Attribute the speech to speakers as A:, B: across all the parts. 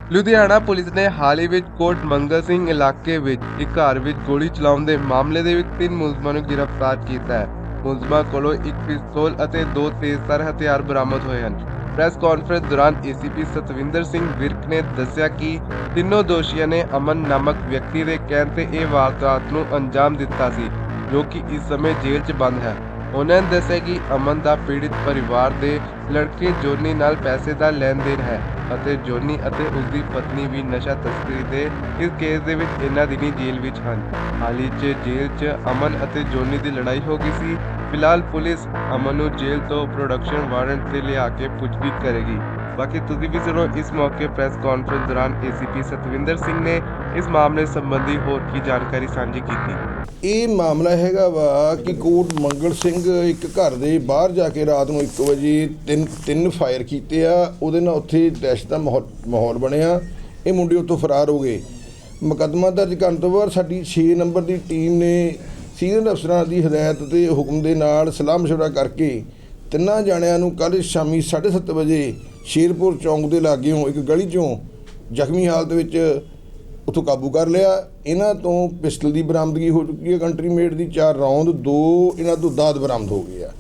A: Ludhiana police ਨੇ ਹਾਲ ਹੀ ਵਿੱਚ ਕੋਟ ਮੰਗਲ ਸਿੰਘ ਇਲਾਕੇ ਵਿੱਚ ਇੱਕ ਘਰ ਵਿੱਚ ਗੋਲੀ ਚਲਾਉਣ ਦੇ ਮਾਮਲੇ ਦੇ ਵਿੱਚ 3 ਮੁਲਜ਼ਮਾਂ ਨੂੰ ਗ੍ਰਿਫਤਾਰ ਕੀਤਾ ਹੈ। ਮੁਲਜ਼ਮਾਂ ਕੋਲੋਂ ਇੱਕ ਪਿਸਤੌਲ ਅਤੇ 2 ਤੇਜ਼ਧਾਰ ਹਥਿਆਰ ਬਰਾਮਦ ਹੋਏ ਹਨ। ਪ੍ਰੈਸ ਕਾਨਫਰੰਸ ਦੌਰਾਨ ਏਸੀਪੀ ਸਤਵਿੰਦਰ ਸਿੰਘ ਵਿਰਕ ਨੇ ਦੱਸਿਆ ਕਿ ਤਿੰਨੋਂ ਦੋਸ਼ੀਆਂ ਨੇ ਅਮਨ ਨਾਮਕ ਵਿਅਕਤੀ ਦੇ ਕਹਿਣ ਤੇ ਇਹ ਵਾਰਦਾਤ ਨੂੰ ਅੰਜਾਮ ਦਿੱਤਾ ਸੀ, ਜੋ ਕਿ ਇਸ ਸਮੇਂ ਜੇਲ੍ਹ 'ਚ ਬੰਦ ਹੈ। ਉਹਨਾਂ ਨੇ ਦੱਸਿਆ ਕਿ ਅਮਨ ਦਾ ਪੀੜਿਤ ਪਰਿਵਾਰ ਦੇ ਲੜਕੇ ਜੋਨੀ ਨਾਲ ਪੈਸੇ ਦਾ ਲੈਣ ਦੇਣ ਹੈ ਅਤੇ ਜੋਨੀ ਅਤੇ ਉਸ ਦੀ ਪਤਨੀ ਵੀ ਨਸ਼ਾ ਤਸਕਰੀ ਦੇ ਇਸ ਕੇਸ ਦੇ ਵਿੱਚ ਇਹਨਾਂ ਦਿਨੀ ਜੇਲ੍ਹ ਵਿੱਚ ਹਨ। ਹਾਲ ਹੀ 'ਚ ਜੇਲ੍ਹ 'ਚ ਅਮਨ ਅਤੇ ਜੋਨੀ ਦੀ ਲੜਾਈ ਹੋ ਗਈ ਸੀ। ਫਿਲਹਾਲ ਪੁਲਿਸ ਅਮਨ ਨੂੰ ਜੇਲ੍ਹ ਤੋਂ ਪ੍ਰੋਡਕਸ਼ਨ ਵਾਰੰਟ ਤੇ ਲਿਆ ਕੇ ਪੁੱਛਗਿੱਛ ਕਰੇਗੀ। ਬਾਕੀ ਤੁਸੀਂ ਵੀ ਸੁਣੋ ਇਸ ਮੌਕੇ ਪ੍ਰੈਸ ਕਾਨਫਰੰਸ ਦੌਰਾਨ ਏਸੀਪੀ ਸਤਵਿੰਦਰ ਸਿੰਘ ਨੇ ਇਸ ਮਾਮਲੇ ਸੰਬੰਧੀ ਹੋਰ ਕੀ ਜਾਣਕਾਰੀ ਸਾਂਝੀ ਕੀਤੀ।
B: ਇਹ ਮਾਮਲਾ ਹੈਗਾ ਵਾ ਕਿ ਕੋਟ ਮੰਗਲ ਸਿੰਘ ਇੱਕ ਘਰ ਦੇ ਬਾਹਰ ਜਾ ਕੇ ਰਾਤ ਨੂੰ 1 ਵਜੇ ਤਿੰਨ ਫਾਇਰ ਕੀਤੇ ਆ। ਉਹਦੇ ਨਾਲ ਉੱਥੇ ਦਹਿਸ਼ਤ ਦਾ ਮਾਹੌਲ ਬਣਿਆ। ਇਹ ਮੁੰਡੇ ਉੱਥੋਂ ਫਰਾਰ ਹੋ ਗਏ। ਮੁਕੱਦਮਾ ਦਰਜ ਕਰਨ ਤੋਂ ਬਾਅਦ ਸਾਡੀ 6 ਨੰਬਰ ਦੀ ਟੀਮ ਨੇ ਸੀਨੀਅਰ ਅਫਸਰਾਂ ਦੀ ਹਦਾਇਤ ਤੇ ਹੁਕਮ ਦੇ ਨਾਲ ਸਲਾਹ ਮਸ਼ਵਰਾ ਕਰਕੇ ਤਿੰਨਾਂ ਜਾਣਿਆਂ ਨੂੰ ਕੱਲ੍ਹ ਸ਼ਾਮੀ 7:30 ਵਜੇ ਸ਼ੇਰਪੁਰ ਚੌਂਕ ਦੇ ਲਾਗਿਓਂ ਇੱਕ ਗਲੀ 'ਚੋਂ ਜ਼ਖਮੀ ਹਾਲਤ ਵਿੱਚ ਉੱਥੋਂ ਕਾਬੂ ਕਰ ਲਿਆ। ਇਹਨਾਂ ਤੋਂ ਪਿਸਟਲ ਦੀ ਬਰਾਮਦਗੀ ਹੋ ਚੁੱਕੀ ਹੈ, ਕੰਟਰੀ ਮੇਡ ਦੀ 4 ਰੌਂਦ, 2 ਇਹਨਾਂ ਤੋਂ ਦਾਦ ਬਰਾਮਦ ਹੋ ਗਏ ਆ।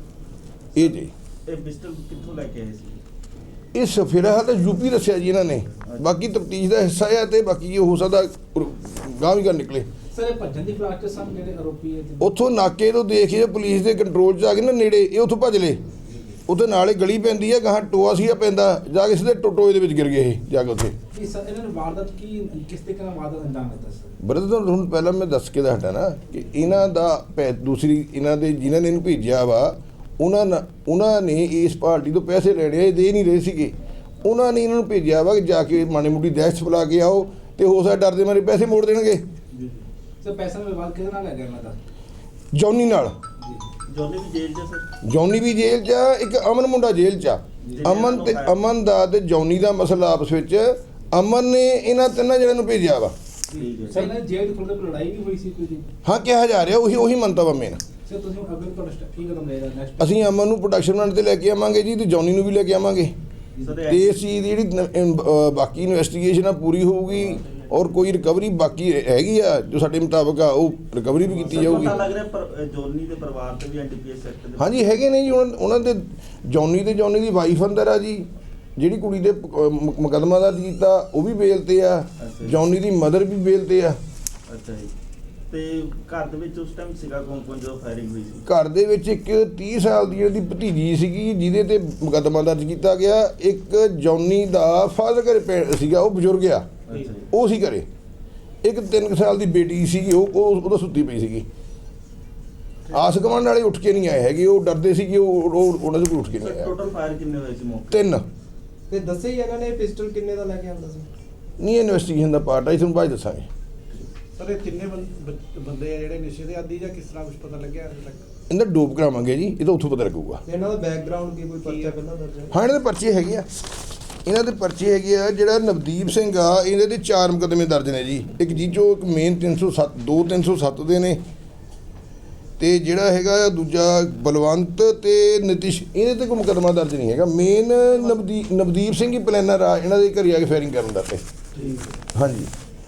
B: ਇਹ ਜੀ
C: ਇਹ ਪਿਸਟਲ ਕਿੱਥੋਂ ਲੈ ਕੇ ਆਏ ਸੀ?
B: ਇਹ ਫਿਲਹਾਲ ਤਾਂ ਯੂਪੀ ਦੱਸਿਆ ਜੀ ਇਹਨਾਂ ਨੇ। ਬਾਕੀ ਤਫਤੀਸ਼ ਦਾ ਹਿੱਸਾ ਆ ਤੇ ਬਾਕੀ ਇਹ ਹੋ ਸਕਦਾ ਗਾਂਹ ਵੀ ਕਰ ਨਿਕਲੇ।
D: ਸਰ ਇਹ ਭੱਜਣ ਦੀ ਫਲਾਕ 'ਚ ਸਨ ਜਿਹੜੇ ਆਰੋਪੀ ਹੈ
B: ਉੱਥੋਂ ਨਾਕੇ ਤੋਂ ਦੇਖੇ ਪੁਲਿਸ ਦੇ ਕੰਟਰੋਲ 'ਚ ਆ ਕੇ ਨਾ ਨੇੜੇ ਇਹ ਉੱਥੋਂ ਭੱਜ ਲਏ। ਉੱਥੇ ਨਾਲੇ ਗਲੀ ਪੈਂਦੀ ਹੈ, ਗਾਹਾਂ ਟੋਆ ਸੀਗਾ ਪੈਂਦਾ, ਜਾ ਕੇ ਸਿੱਧੇ ਟੋਏ ਦੇ ਵਿੱਚ ਗਿਰ ਗਏ ਇਹ ਜਾ ਕੇ ਉੱਥੇ।
D: ਸਰ ਇਹਨਾਂ ਨੇ ਵਾਰਦਾਤ ਕਿਸ ਤਰੀਕੇ ਨਾਲ ਵਾਰਦਾਤ ਅੰਜਾਮ ਦਿੱਤਾ ਸਰ?
B: ਬਰਦਰ ਤੁਹਾਨੂੰ ਪਹਿਲਾਂ ਮੈਂ ਦੱਸ ਕੇ ਦੱਸਦਾ ਨਾ ਕਿ ਇਹਨਾਂ ਦਾ ਦੂਸਰੀ ਇਹਨਾਂ ਦੇ ਜਿਨ੍ਹਾਂ ਨੇ ਇਹਨੂੰ ਭੇਜਿਆ ਵਾ ਉਹਨਾਂ ਨੇ ਇਸ ਪਾਰਟੀ ਤੋਂ ਪੈਸੇ ਲੈਣੇ, ਇਹ ਦੇ ਨਹੀਂ ਰਹੇ ਸੀਗੇ। ਉਹਨਾਂ ਨੇ ਇਹਨਾਂ ਨੂੰ ਭੇਜਿਆ ਵਾ ਕਿ ਜਾ ਕੇ ਮਾੜੀ ਮੋਟੀ ਦਹਿਸ਼ਤ ਫੈਲਾ ਕੇ ਆਓ ਤੇ ਹੋ ਸਕਦਾ ਡਰਦੇ ਮਾਰੇ ਪੈਸੇ ਮੋੜ ਦੇਣਗੇ।
D: ਸਰ ਪੈਸਾ ਦਾ ਵਿਵਾਦ ਕਿਹਦੇ ਨਾਲ ਹੈਗਾ ਇਹਨਾਂ ਦਾ?
B: ਜੌਨੀ ਨਾਲ।
C: ਜੋਨੀ ਵੀ ਜੇਲ੍ਹ 'ਚ ਸਰ?
B: ਜੌਨੀ ਵੀ ਜੇਲ੍ਹ 'ਚ ਆ, ਇੱਕ ਅਮਨ ਮੁੰਡਾ ਜੇਲ੍ਹ 'ਚ ਆ। ਅਮਨ ਦਾ ਤੇ ਜੌਨੀ ਦਾ ਮਸਲਾ ਆਪਸ ਵਿੱਚ ਅਮਨ ਨੇ ਇਹਨਾਂ ਤਿੰਨਾਂ ਜਣਿਆਂ ਨੂੰ ਭੇਜਿਆ ਵਾ।
D: ਸਰ ਇਹਨਾਂ ਜੇਲ੍ਹ ਖੁੱਲ੍ਹ ਕੇ ਲੜਾਈ ਵੀ ਹੋਈ ਸੀ ਕੋਈ ਦਿਨ?
B: ਹਾਂ, ਕਿਹਾ ਜਾ ਰਿਹਾ ਉਹੀ ਮੰਤਵ ਆ ਮੇਨ।
D: ਸਰ ਤੁਸੀਂ ਅੱਗੇ ਤੁਹਾਡਾ ਸਟੈਪ ਕੀ ਕਦਮ ਲਏਗਾ ਨੈਕਸਟ?
B: ਅਸੀਂ ਅਮਨ ਨੂੰ ਪ੍ਰੋਡਕਸ਼ਨ ਵਾਰੰਟ ਤੇ ਲੈ ਕੇ ਆਵਾਂਗੇ ਜੀ ਤੇ ਜੌਨੀ ਨੂੰ ਵੀ ਲੈ ਕੇ ਆਵਾਂਗੇ ਤੇ ਇਸ ਚੀਜ਼ ਦੀ ਜਿਹੜੀ ਬਾਕੀ ਇਨਵੈਸਟੀਗੇਸ਼ਨ ਆ ਪੂਰੀ ਹੋਊਗੀ ਔਰ ਕੋਈ ਰਿਕਵਰੀ ਬਾਕੀ ਹੈਗੀ ਆ ਜੋ ਸਾਡੇ ਮੁਤਾਬਕ ਆ ਉਹ ਰਿਕਵਰੀ ਵੀ ਕੀਤੀ ਜਾਊਗੀ।
C: ਪਤਾ ਲੱਗ ਰਿਹਾ ਜੋਨੀ ਦੇ ਪਰਿਵਾਰ ਤੇ ਵੀ ਐਨਡੀਪੀਐਸ ਐਕਟ ਦੇ
B: ਹਾਂਜੀ ਹੈਗੇ ਨੇ ਜੀ। ਉਹਨਾਂ ਦੇ ਜੌਨੀ ਦੀ ਵਾਈਫ ਅੰਦਰ ਆ ਜੀ, ਜਿਹੜੀ ਕੁੜੀ ਦੇ ਮੁਕੱਦਮਾ ਦਰਜ ਕੀਤਾ ਉਹ ਵੀ ਬੇਲ ਤੇ ਆ। ਜੌਨੀ ਦੀ ਮਦਰ ਵੀ ਬੇਲ ਤੇ ਆ।
C: ਅੱਛਾ ਜੀ। ਤੇ ਘਰ ਦੇ ਵਿੱਚ ਉਸ ਟਾਈਮ ਸੀਗਾ ਕੌਣ ਜਦੋਂ ਫਾਇਰਿੰਗ ਹੋਈ ਸੀ?
B: ਘਰ ਦੇ ਵਿੱਚ ਇੱਕ 30 ਸਾਲ ਦੀ ਉਹਦੀ ਭਤੀਜੀ ਸੀਗੀ ਜਿਹਦੇ ਤੇ ਮੁਕੱਦਮਾ ਦਰਜ ਕੀਤਾ ਗਿਆ। ਇੱਕ ਜੌਨੀ ਦਾ ਫਾਦਰ ਘਰੇ ਸੀਗਾ, ਉਹ ਬਜ਼ੁਰਗ ਆ, ਉਹ ਸੀ ਘਰੇ। ਇੱਕ 3 ਸਾਲ ਦੀ ਬੇਟੀ ਸੀਗੀ, ਉਹਦਾ ਸੁੱਤੀ ਪਈ ਸੀਗੀ। ਆਸ ਗੁਆਂਢ ਵਾਲੇ ਉੱਠ ਕੇ ਨਹੀਂ ਆਏ ਹੈਗੇ, ਉਹ ਡਰਦੇ ਸੀ ਕਿ ਉਹਨਾਂ ਦੇ ਕੋਲ ਉੱਠ ਕੇ ਨਹੀਂ ਆਇਆ।
C: ਟੋਟਲ ਫਾਇਰ ਕਿੰਨੇ ਹੋਏ ਸੀ ਮੌਕੇ?
B: 3।
E: ਤੇ ਦੱਸੇ ਹੀ ਇਹਨਾਂ ਨੇ ਪਿਸਟਲ ਕਿੰਨੇ ਦਾ ਲੈ ਕੇ ਆਉਂਦਾ ਸੀ?
B: ਨਹੀਂ, ਇਨਵੈਸਟੀਗੇਸ਼ਨ ਦਾ ਪਾਰਟ ਆ, ਤੁਹਾਨੂੰ ਬਾਅਦ ਦੱਸਾਂਗੇ।
F: ਸਰ ਇਹ ਤਿੰਨੇ ਬੰਦੇ ਆ ਜਿਹੜੇ ਨਸ਼ੇ ਦੇ ਆਦੀ ਜਾਂ ਕਿਸ ਤਰ੍ਹਾਂ ਕੁਝ ਪਤਾ ਲੱਗਿਆ ਅਜੇ ਤੱਕ?
B: ਇਹਦਾ ਡੋਪ ਕਰਾਵਾਂਗੇ ਜੀ, ਇਹ ਤਾਂ ਉੱਥੋਂ ਪਤਾ ਲੱਗੂਗਾ।
E: ਤੇ ਇਹਨਾਂ ਦਾ ਬੈਕਗ੍ਰਾਉਂਡ ਕੀ, ਕੋਈ ਪਰਚਾ ਪਹਿਲਾਂ ਦਰਜ ਹੈ?
B: ਹਾਂ, ਇਹਨਾਂ ਦੇ ਪਰਚੇ ਹੈਗੇ ਆ। ਇਹਨਾਂ ਦੇ ਪਰਚੇ ਹੈਗੇ ਆ। ਜਿਹੜਾ ਨਵਦੀਪ ਸਿੰਘ ਆ, ਇਹਦੇ ਤੇ 4 ਮੁਕੱਦਮੇ ਦਰਜ ਨੇ ਜੀ। ਇੱਕ ਜੀਚੋ ਇੱਕ ਮੇਨ 307, 2 307 ਦੇ ਨੇ ਤੇ ਜਿਹੜਾ ਹੈਗਾ ਦੂਜਾ ਬਲਵੰਤ ਤੇ ਨਿਤਿਸ਼, ਇਹਦੇ ਤੇ ਕੋਈ ਮੁਕੱਦਮਾ ਦਰਜ ਨਹੀਂ ਹੈਗਾ। ਮੇਨ ਨਵਦੀਪ ਸਿੰਘ ਹੀ ਪਲੈਨਰ ਆ ਇਹਨਾਂ ਦੇ ਘਰੇ ਆ ਕੇ ਫਾਇਰਿੰਗ ਕਰਨ ਦਾ ਤੇ। ਹਾਂਜੀ।